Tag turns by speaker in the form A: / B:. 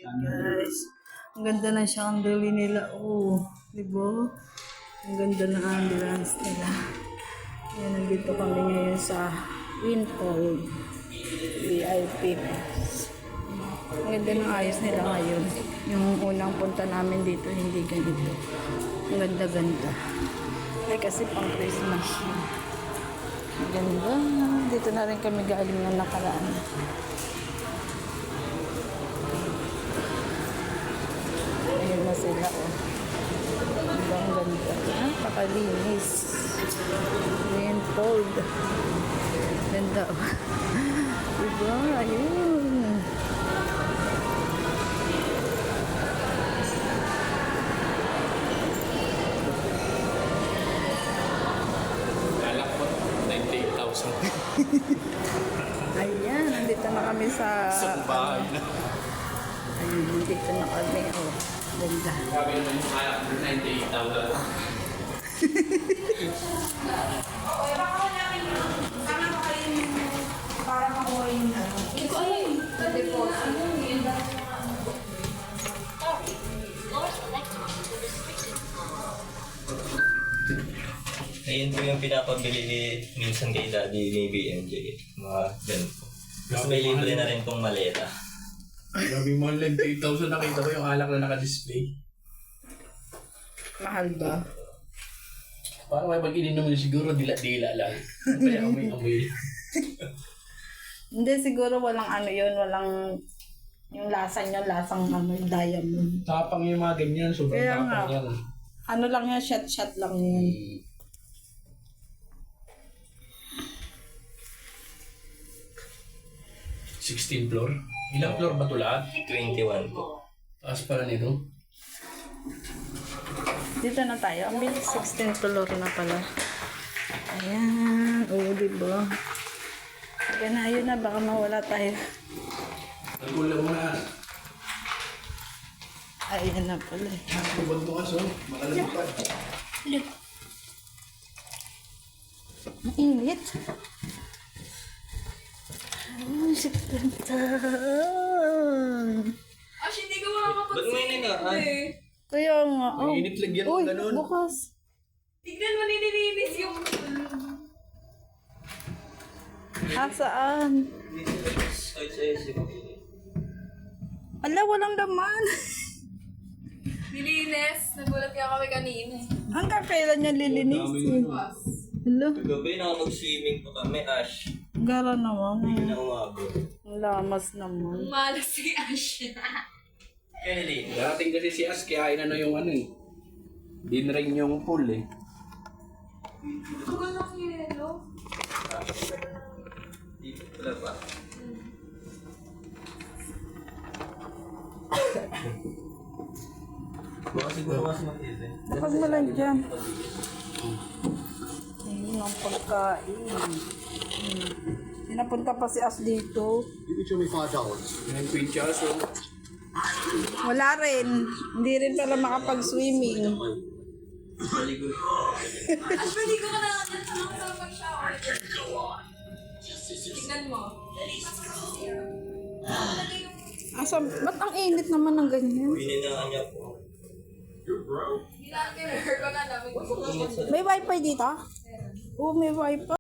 A: Guys, ang ganda ng chandelier nila. Oh, di ba? Ang ganda ng ambulance nila. Ayan, nandito kami ngayon sa Windfall VIP. Ang ganda ng ayos nila ngayon. Yung unang punta namin dito, hindi ganito. Ang ganda-ganda. Ay, kasi pang Christmas yun. Ang ganda. Dito na rin kami galing ng nakaraan. Ayun na sila, oh. Ang ganda. Napakalinis. Rainfold. Ganda, oh. Diba? Ayun.
B: Lalakot, 98,000.
A: Ayan, nandito na kami sa...
B: Sa bahay na.
A: Ayun, nandito na kami, oh. Ganda.
B: Sabi naman yung kaya 98,000.
C: Okay, baka ko namin kami mo kayo para makuha yung ano. Hindi ko alam yung deposit.
D: Ayun po yung pinapabili minsan kay Daddy ni BMJ. Mga ganito. Tapos may libre na rin pong maleta.
B: Grabe mo, 98,000 nakita ko yung alak na naka-display.
A: Mahal ba?
B: Parang may pag-ininom mo siguro dila-dila lang. Kaya amoy-amoy.
A: Hindi, siguro walang ano yun, walang... Yung lasa niya, lasang ano, diamond.
B: Tapang yung mga ganyan, sobrang
A: Kaya nga.
B: tapang yan.
A: Ano lang yan, shot lang yun.
B: 16 floor. Ilang floor ba ito lahat?
D: 21 po.
B: Taas pala nito.
A: Dito na tayo. Ang bilis, 16 floor na pala. Ayan. Oo, diba? Kaya na, ayun na. Baka mawala tayo.
B: Nagkulang mo na.
A: Ayan na pala.
B: Tubag mo kaso. Makalagpad.
A: Mainit. Ay, si Pintan.
C: Ash, hindi ko makakapag
D: Ba't may ningaan?
A: Kaya nga. Oh.
B: Mainit lagyan mo
A: Uy,
B: ganun.
A: bukas.
C: Tignan mo, nililinis yung...
A: Saan?
D: Ay, sa
A: Ala, walang laman.
C: Nilinis. Nagulat nga kami kanina.
A: Hanggang kailan niya lilinisin? Hala,
D: Kagabi nakapag-swimming po kami, Ash.
A: gara naman.
D: Hindi na umabot.
A: Ang lamas naman.
C: Malas si Ash.
D: Kennedy.
B: Darating kasi si As, kaya inano yung ano eh. Dinrain yung pool eh.
C: Tugal ng yelo.
D: Dito pala pa. Baka siguro mas matindi.
A: Kapag mo lang dyan. Ayun ang pagkain. Pinapunta pa si As dito.
E: You can show me $5.
B: Yung picture, so...
A: Wala rin. Hindi rin pala makapag-swimming.
D: Maligo.
C: Ash, pwede ko ka na sa pag-shower. Tignan mo.
A: Asa, ba't ang init naman ng ganyan?
D: Bininaan niya po.
C: Hindi natin ko na namin.
A: May wifi dito? Oo, may wifi.